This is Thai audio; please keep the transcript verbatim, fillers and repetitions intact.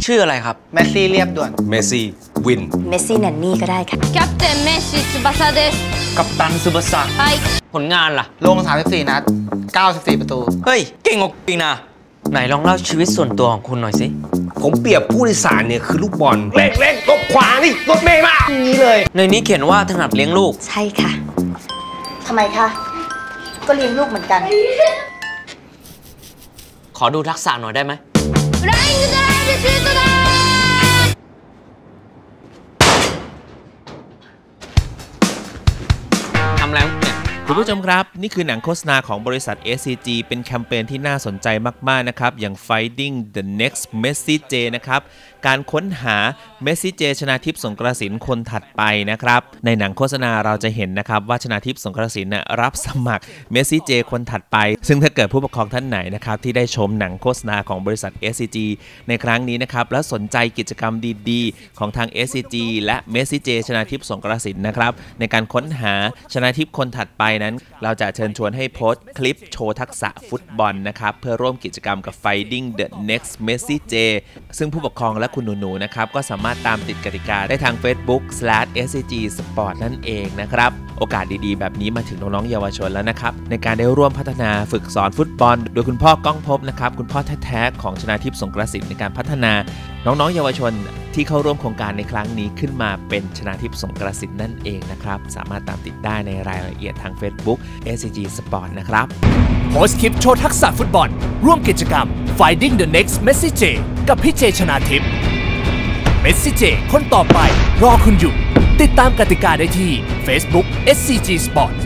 ชื่ออะไรครับเมสซี่เรียบด่วนเมสซี่วินเมสซี่แนนนี่ก็ได้ค่ะキャプテンメッシ翼ですกัปตันซูบาสะはいผลงานล่ะลงสามสิบสี่นัดเก้าสิบสี่ประตูเฮ้ยเก่งกว่าจริงนะไหนลองเล่าชีวิตส่วนตัวของคุณหน่อยสิผมเปรียบผู้โดยสารเนี่ยคือลูกบอลเล่งเล่งรถขวานี่รถเมย์มาอย่างนี้เลยในนี้เขียนว่าถนัดเลี้ยงลูกใช่ค่ะทำไมคะก็เลี้ยงลูกเหมือนกันขอดูทักษะหน่อยได้ไหมフライングドライブシュートだทำแล้วเนี่ยคุณผู้ชมครับนี่คือหนังโฆษณาของบริษัท เอส ซี จี เป็นแคมเปญที่น่าสนใจมากๆนะครับอย่าง Finding the Next Messi J นะครับการค้นหาเมสซี่เจชนาทิพย์สงกรานต์คนถัดไปนะครับในหนังโฆษณาเราจะเห็นนะครับว่าชนาทิพย์สงกรานต์เนี่ยรับสมัครเมสซี่เจคนถัดไปซึ่งถ้าเกิดผู้ปกครองท่านไหนนะครับที่ได้ชมหนังโฆษณาของบริษัท เอส ซี จี ในครั้งนี้นะครับและสนใจกิจกรรมดีๆของทาง เอส ซี จี และเมสซี่เจชนาทิพย์สงกรานต์นะครับในการค้นหาชนาทิพย์คนถัดไปนั้นเราจะเชิญชวนให้โพสต์คลิปโชว์ทักษะฟุตบอลนะครับเพื่อร่วมกิจกรรมกับ Finding the Next Messi J ซึ่งผู้ปกครองและคุณหนูๆนะครับก็สามารถตามติดกติกาได้ทาง Facebook สแลช เอส ซี จี สปอร์ต นั่นเองนะครับโอกาสดีๆแบบนี้มาถึงน้องๆเยาวชนแล้วนะครับในการได้ร่วมพัฒนาฝึกสอนฟุตบอลโดยคุณพ่อก้องภพนะครับคุณพ่อแท้ๆของชนาทิพย์สงกรานต์ในการพัฒนาน้องๆเยาวชนที่เข้าร่วมโครงการในครั้งนี้ขึ้นมาเป็นชนาทิพย์สงกรานต์นั่นเองนะครับสามารถตามติดได้ในรายละเอียดทาง Facebook เอส ซี จี Sport นะครับโพสต์คลิปโชว์ทักษะฟุตบอลร่วมกิจกรรม Finding the Next Messi J กับพี่เจชนาทิพย์เมสซี่เจคนต่อไปรอคุณอยู่ติดตามกติกาได้ที่ Facebook เอส ซี จี Sport